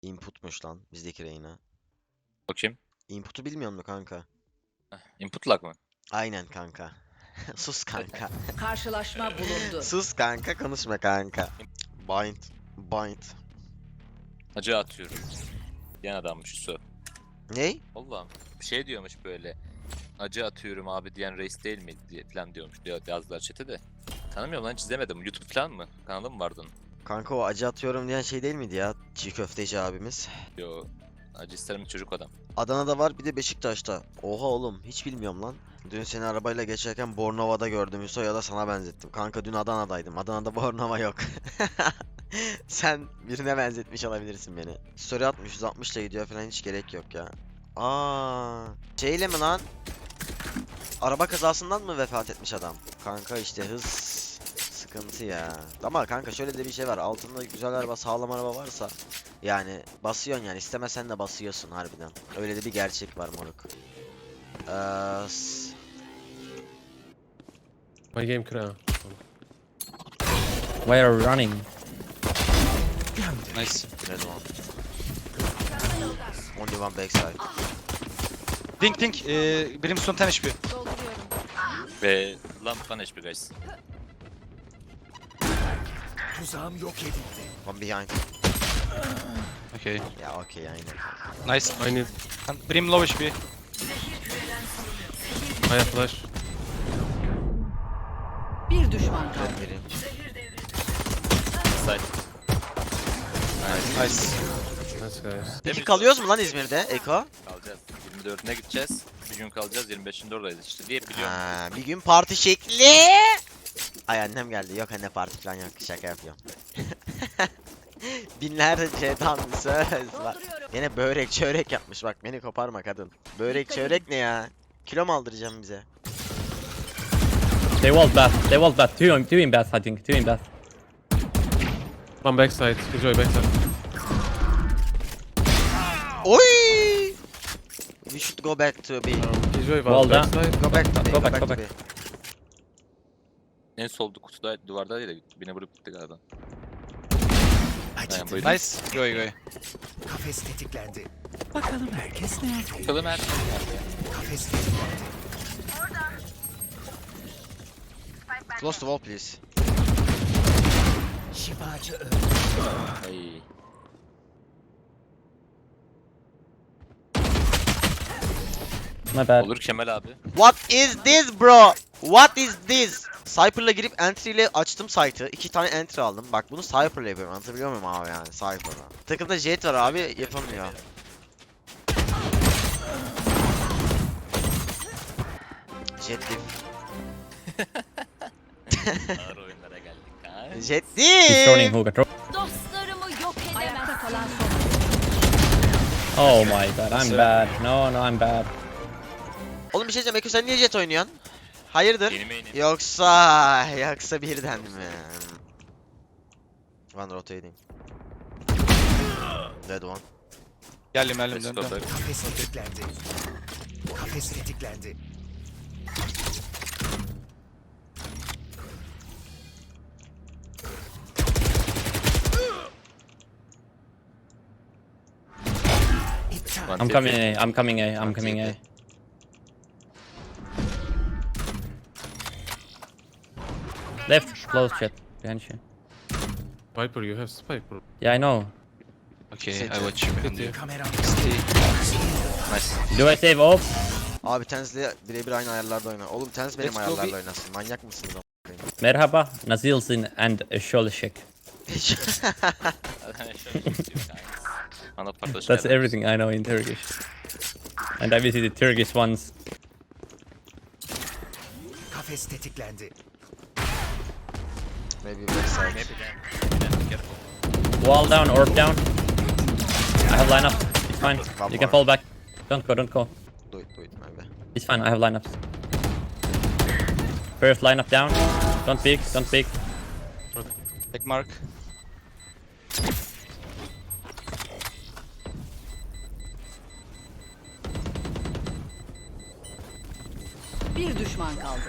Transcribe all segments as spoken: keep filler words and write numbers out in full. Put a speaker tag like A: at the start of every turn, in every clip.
A: Input'muş lan bizdeki Reyna.
B: Bakayım.
A: Input'u bilmiyor musun kanka?
B: Input lag mı?
A: Aynen kanka. Sus kanka.
C: Karşılaşma bulundu.
A: Sus kanka, konuşma kanka. Bind. Bind.
B: Acı atıyorum. Yan adammış Su.
A: Ney?
B: Allah'ım. Bir şey diyormuş böyle. Acı atıyorum abi diyen reis değil mi diye falan diyormuş diyor yazdılar chat'e de. Tanımıyorum lan, hiç izlemedim. YouTube falan mı? Kanalı mı vardı onun?
A: Kanka o acı atıyorum diyen şey değil miydi ya? Çiğ köfteci abimiz.
B: Yo. Acı isterim çocuk adam.
A: Adana'da var, bir de Beşiktaş'ta. Oha oğlum, hiç bilmiyorum lan. Dün seni arabayla geçerken Bornova'da gördüm Hüso, ya da sana benzettim. Kanka dün Adana'daydım. Adana'da Bornova yok. Sen birine benzetmiş olabilirsin beni. Story atmış, yüz altmış ile gidiyor falan, hiç gerek yok ya. Aa, şeyle mi lan? Araba kazasından mı vefat etmiş adam? Kanka işte hız sıkıntı ya. Ama kanka şöyle de bir şey var. Altında güzel araba, sağlam araba varsa yani basıyorsun, yani istemesen de basıyorsun harbiden. Öyle de bir gerçek var moruk. Eee s-
D: My game crash.
E: Why are we running?
F: Nice.
A: Red one. Only one backside.
F: Pink pink. Ee, Brimstone ten H P.
B: Ve lamp one H P guys.
A: One behind.
F: Okay.
A: Ya okey, aynen.
F: Nice.
D: I need
F: And Brim low H P.
D: I have flash.
C: Bir düşman kaldı.
A: Biri.
B: Side.
F: Nice.
D: Nice guys.
A: Peki kalıyoruz mu lan İzmir'de Eko?
B: Kalacağız. yirmi dördüne gideceğiz. Bir gün kalacağız. yirmi beşinde oradayız işte diye biliyorum.
A: Ha, bir gün parti şekli. Ay annem geldi. Yok anne, parti falan yok. Şaka yapıyorum. Binlerce tam bir söz var. Yine börek çörek yapmış, bak beni koparma kadın. Börek çörek ne ya? Kilo mu aldıracağım bize?
E: They walled bath. They walled bath. Two in, two in bath, I think. Two in bath.
D: One backside. Enjoy backside.
A: Oy! We should go back to B.
D: Um, Enjoy
E: Wall
D: one
E: down.
D: backside.
A: Go back to B.
E: Go back,
A: to
E: go back.
A: B.
B: En solda kutuda duvarda değil de beni vurup gitti galiba. Aynen buydu.
F: Nice. Go go.
G: Kafes tetiklendi.
B: Bakalım herkes nerede ya?
G: Kafes tetiklendi.
A: Close to wall please.
G: Şifacı öldü.
B: Ay.
E: My bad.
B: Olur Kemal abi.
A: What is this bro? What is this? Cypher'la girip entry ile açtım site'ı. İki tane entry aldım. Bak bunu Cypher'la yapıyorum. Anlatabiliyor muyum abi yani Cypher'la? Takımda Jet var abi, yapamıyor. Jet diff.
B: Ağır oyunlara geldik ha.
A: Jet
E: He's turning
A: diff.
E: hookah. Throw.
C: Dostlarımı yok edemezsin. Ayakta kalan son.
E: Oh my god, I'm bad. No, no, I'm bad.
A: Oğlum bir şey diyeceğim. Eko sen niye Jet oynuyorsun? Hayırdır?
B: Yeni main'im.
A: Yoksa yoksa birden mi? One rotating. Dead one.
F: Geldim geldim
B: Let's
F: döndüm.
B: go back.
G: Kafes tetiklendi. Kafes tetiklendi. İptal.
B: One
E: I'm
B: T P.
E: coming A. I'm coming A. I'm
A: One
E: coming
A: T
E: A.
A: P.
E: Left, close chat. Behind you.
D: Viper, you have spike, bro.
E: Yeah, I know.
F: Okay,
A: City.
F: I watch you behind you.
G: Kameram.
B: Nice.
E: Do I save off?
A: Abi Tenz'le birebir aynı ayarlarda oyna. Oğlum Tenz benim
F: Let's go
A: ayarlarla
F: bir-
A: oynasın. Manyak mısınız o?
E: Merhaba, Nazilsin and Sholishek.
B: Ana partlaşma.
E: That's everything I know in Turkish. And I visited Turkish once.
G: Kafes tetiklendi.
A: Maybe backside.
B: Maybe then. Careful.
E: Wall down, orb down. I have lineup. It's fine.
A: One
E: You can
A: more.
E: fall back. Don't go, don't go.
A: Do it, do it maybe.
E: It's fine, I have lineups. First lineup down. Don't peek, don't peek.
F: Take mark.
C: Bir düşman kaldı.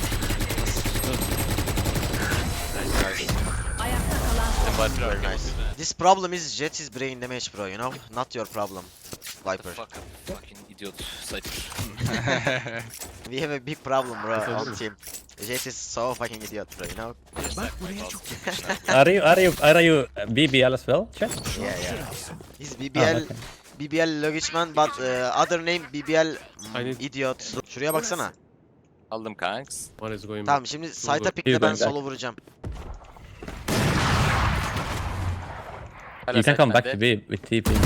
B: Nice.
C: Ayakta kalan son.
B: Var bir
A: Very nice. This problem is Jet's brain damage bro, you know? Not your problem. Viper.
B: Fuck. Fucking idiot. Cypher.
A: We have a big problem bro
D: Yes, I
A: on
D: do.
A: team. Jet is so fucking idiot bro, you know?
G: Bak buraya çok
E: Are you are you are you B B L as well, chat?
A: Yeah yeah. He's B B
E: Ah,
A: L,
E: okay.
A: B B L Logicman but uh, other name B B L mm,
D: I need-
A: idiot. Şuraya baksana.
B: Aldım kanks.
D: One is going
A: Tamam şimdi site'a
D: Dur.
A: pickle ben
E: going back.
A: solo vuracağım.
B: Hala
E: You can
B: site
E: come back
B: bende.
E: to B with T P.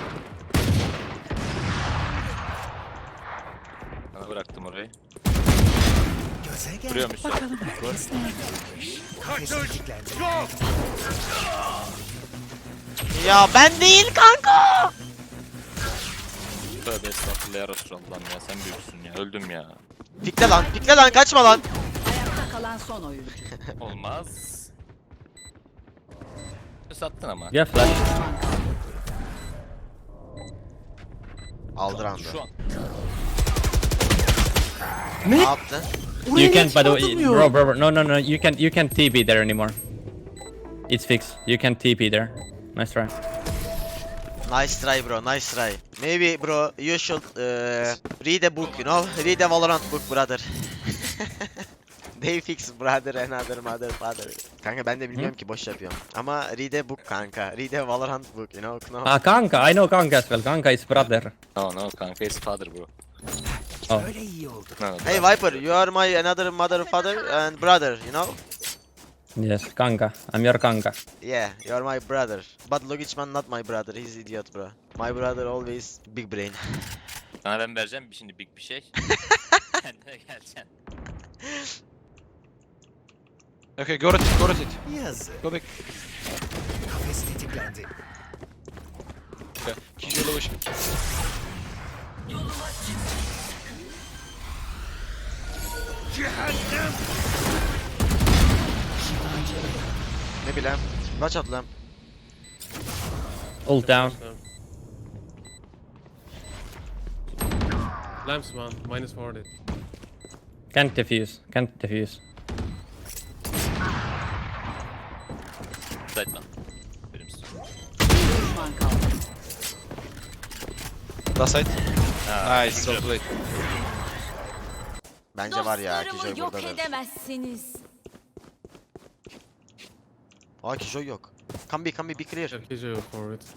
B: Sana bıraktım orayı.
G: göze gel.
B: Duruyormuş.
G: Bakalım herkes neredeymiş. Kafes tetiklendi.
A: Ya ben değil kanka.
B: Tövbe estağfurullah ya Resulallah'ım ya sen büyüksün ya. Öldüm ya.
A: Pikle lan, pikle lan, kaçma lan.
C: Ayakta kalan son oyuncu.
B: Olmaz. Sattın ama.
E: You have flash.
C: Düşman kaldı.
A: Aldı round'u.
B: Şu an.
A: Ne yaptı?
E: You can't, by the way, bro, bro, bro, no, no, no, you can't, you can't T P there anymore. It's fixed. You can't T P there. Nice try.
A: Nice try bro, nice try. Maybe bro, you should uh, read a book, you know? Read a Valorant book brother. They fix brother, another mother, father. Kanka ben de bilmiyorum ki boş yapıyorum. Ama read a book kanka. Read a Valorant book, you know? No.
E: Ah, Kanka, I know Kanka as well. Kanka is brother.
B: No no kanka is father bro.
E: Oh.
G: Öyle iyi oldu.
B: No, no,
A: Hey Viper, you are my another mother, father and brother, you know?
E: Yes, Kanka. I'm your Kanka.
A: Yeah, you are my brother. But Logicman not my brother, he's idiot bro. My brother always big brain.
B: Sana ben vereceğim bir şimdi big bir şey. Kendine geleceksin.
F: Okay, go rotate, go rotate.
G: Yazık.
F: Go back.
G: Kafes tetiklendi.
F: Okay. Keep your lowish.
A: Ne bileyim. Kaç at lan?
E: Ult down.
D: Lamps one, minus forty.
E: Can't defuse. Can't defuse.
B: Side lan. Benim üstüm.
C: Bir düşman kaldı.
F: Last side.
B: Ha,
F: Nice, well played.
A: Bence var ya, Kijoy
C: Dostlarımı yok
A: buradadır.
C: edemezsiniz.
A: Aa Kijoy yok. Come be, come be, be clear.
D: Yeah, K J for it.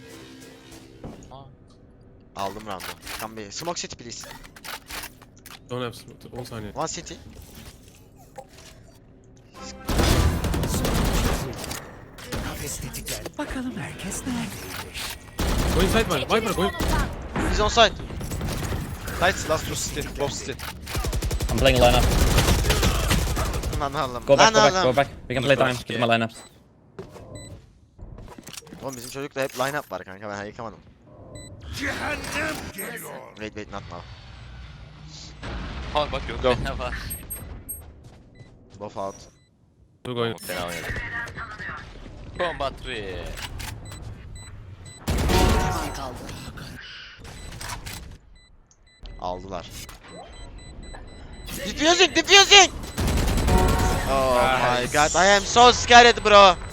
A: Aldım round'u. Come be. Smoke city please.
D: Don't have smoke. On saniye.
A: One city.
G: Kafes tetiklendi. Bakalım herkes neredeymiş.
D: Go inside man. Viper go in.
A: He's on side.
F: Nice, last two city, both city.
E: I'm playing lineup.
A: Lan oğlum.
E: Go back,
A: Lan
E: go back,
A: oğlum.
E: go back. We can play time. Get my lineups.
A: Oğlum bizim çocukta hep line up var kanka, ben yıkamadım. Wait wait not now.
B: Ha bak yok.
F: Go.
B: Ne var?
A: Both out.
D: Two going.
B: Fena oynadı. Combat three.
C: Düşman kaldı.
A: Aldılar. Diffusing, diffusing! Oh my god, I am so scared bro.
C: Ayakta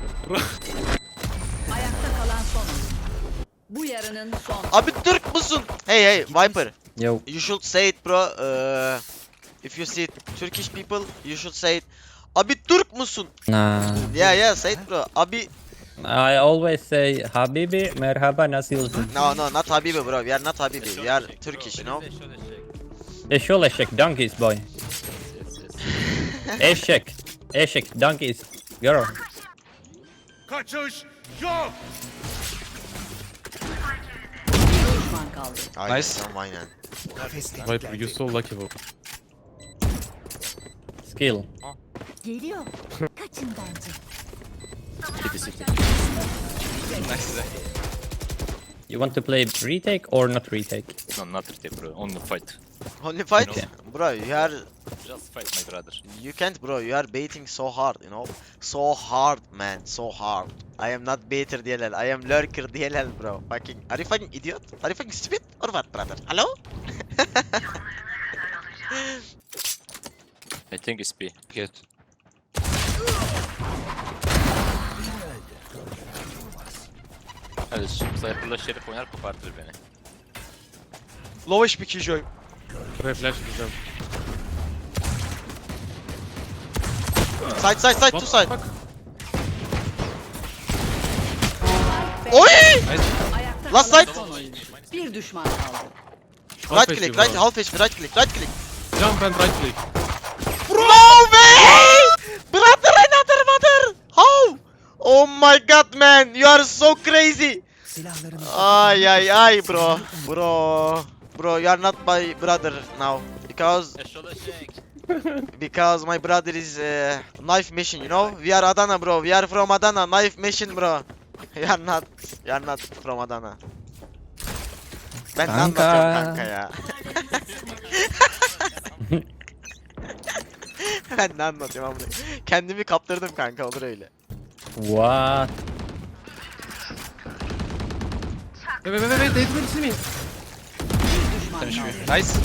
C: kalan son oyuncu. Bu yarının son.
A: Abi Türk musun? Hey hey Viper,
E: Yo.
A: you should say it bro. Uh, if you see Turkish people, you should say it. Abi Türk musun?
E: Nah.
A: Yeah yeah, say it bro. Abi
E: I always say Habibi, merhaba, nasılsın?
A: no no not Habibi bro. We are not Habibi. We are Turkish, you know.
E: Eşol eşek, donkeys boy.
B: Yes, yes.
E: Eşek. Eşek, donkeys. Girl.
C: Bir düşman kaldı.
A: Aynen,
F: Nice.
A: tamam, aynen.
G: Kafes
D: Viper,
G: tetiklendi.
D: you're so lucky bro.
E: Skill.
C: Geliyor. Kaçın bence.
B: City city.
F: Nice.
E: You want to play retake or not retake?
B: No not retake bro. Only fight.
A: Only fight,
E: Okay.
A: bro. You are,
B: Just fight my brother.
A: you can't, bro. You are baiting so hard, you know. So hard, man. So hard. I am not baiter D L L. I am lurker D L L, bro. Fucking. Are you fucking idiot? Are you fucking stupid or what, brother? Hello?
B: I think it's B.
F: Get.
B: Kardeşim Cypher'la Şerif oynar kopartır beni.
F: Low H P Killjoy.
D: Buraya flash atacağım.
A: Side side side to
D: What
A: side.
D: the fuck?
A: Oy!
C: Ayakta
A: Last
C: kalan
A: night.
C: son oyuncu. Bir düşman kaldı.
A: Right
D: Half
A: click,
D: H P,
A: right,
D: bro.
A: half H P, right click, right click.
D: Jump and right click.
A: No way! Brother, another mother! How? Oh my god, man, you are so crazy.
G: Silahlarımızı
A: Ay ay ay bro. Bro. Bro, you are not my brother now. Because
B: Eşolaşek.
A: because my brother is uh, knife mission, you know? We are Adana, bro. We are from Adana. Knife mission, bro. You are not. You are not from Adana. Ben ne
E: Kanka.
A: anlatıyorum kanka ya? Ben ne anlatıyorum amına? Kendimi kaptırdım kanka, olur öyle.
E: What?
D: Wait, wait, wait, wait, wait, wait, see me.
C: Bir düşman
F: Ten H
C: kaldı.
F: P. Nice.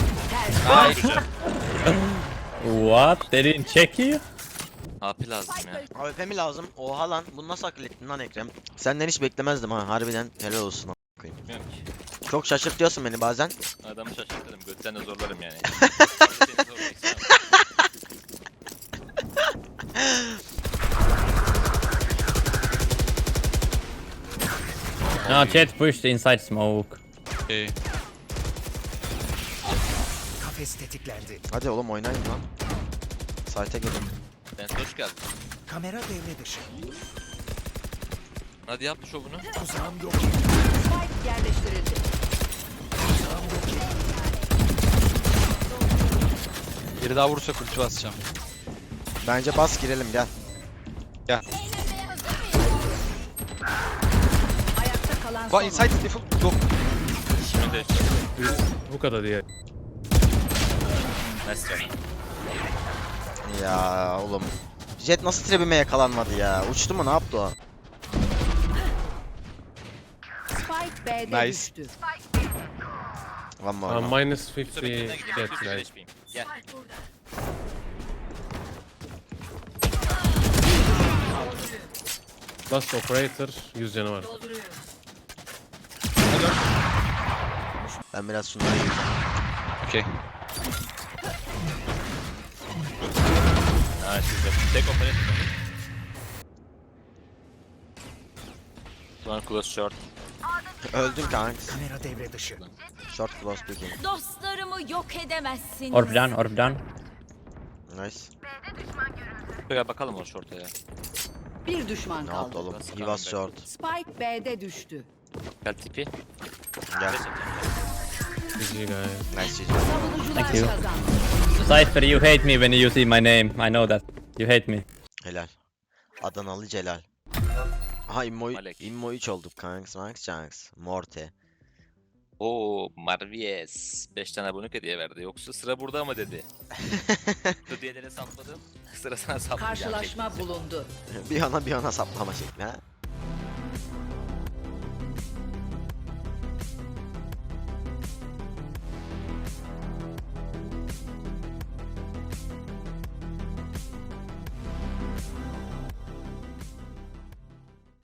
E: What? They didn't check you?
B: A P lazım ya.
A: A W P mi lazım? Oha lan, bunu nasıl akıl ettin lan Ekrem? Senden hiç beklemezdim ha, harbiden helal olsun a**ına koyayım.
B: Bilmiyorum ki.
A: Çok şaşırtıyorsun beni bazen.
B: Adamı şaşırtırım. Götten de zorlarım yani. Seni zorlamak istemem.
E: No, Jet pushed inside smoke.
F: Okay.
G: kafes tetiklendi.
A: Hadi oğlum oynayın lan. Site'e gelin.
B: Ben hoş geldin.
G: Kamera devre dışı.
B: Hadi yap şovunu.
G: Tuzağım yok.
C: Spike yerleştirildi.
F: Biri daha vurursa ulti basacağım.
A: Bence bas girelim, gel.
C: Ayakta kalan son
F: One inside default. Yok.
B: Şimdi de
D: Bu kadar diye.
B: nice try.
A: Ya oğlum. Jet nasıl trebime yakalanmadı ya? Uçtu mu, ne yaptı o?
C: Spike B'de
F: Nice.
C: düştü.
A: One more.
D: Uh,
A: one.
D: minus
B: Yoksa
D: fifty
B: beklemeye gideyim.
D: jet,
B: yüz
D: guys.
B: H P'yim. Gel.
D: Last operator, yüz canı var.
A: Ben biraz şunları yiyeyim.
F: Okay.
B: Ha siz de tek operate. One close short.
A: Öldün kanks.
G: Kamera devre dışı.
A: Short close picking.
H: Dostlarımı yok edemezsiniz.
E: Orb down, orb down.
A: Nice.
B: Gel bakalım o short'a ya.
C: Bir düşman
A: Ne yaptı
C: kaldı.
A: oğlum?
B: Nasıl
A: He was
B: kaldı?
A: short.
C: Spike B'de düştü.
B: Gel tipi.
A: Gel.
D: G G guys.
A: Nice G G.
C: Savunucular
E: Thank you.
C: kazandı.
E: Cypher, you hate me when you see my name. I know that. You hate me.
A: Helal. Adanalı Celal. Aha immo
B: Malek.
A: immo üç olduk kanks, Max Chanks, Morte.
B: Oo Marvies. beş tane abonelik hediye verdi. Yoksa sıra burada mı dedi. Hediyelere sapladım. Sıra sana saplayacağım.
C: Karşılaşma bulundu.
A: bir yana bir yana saplama şekli ha.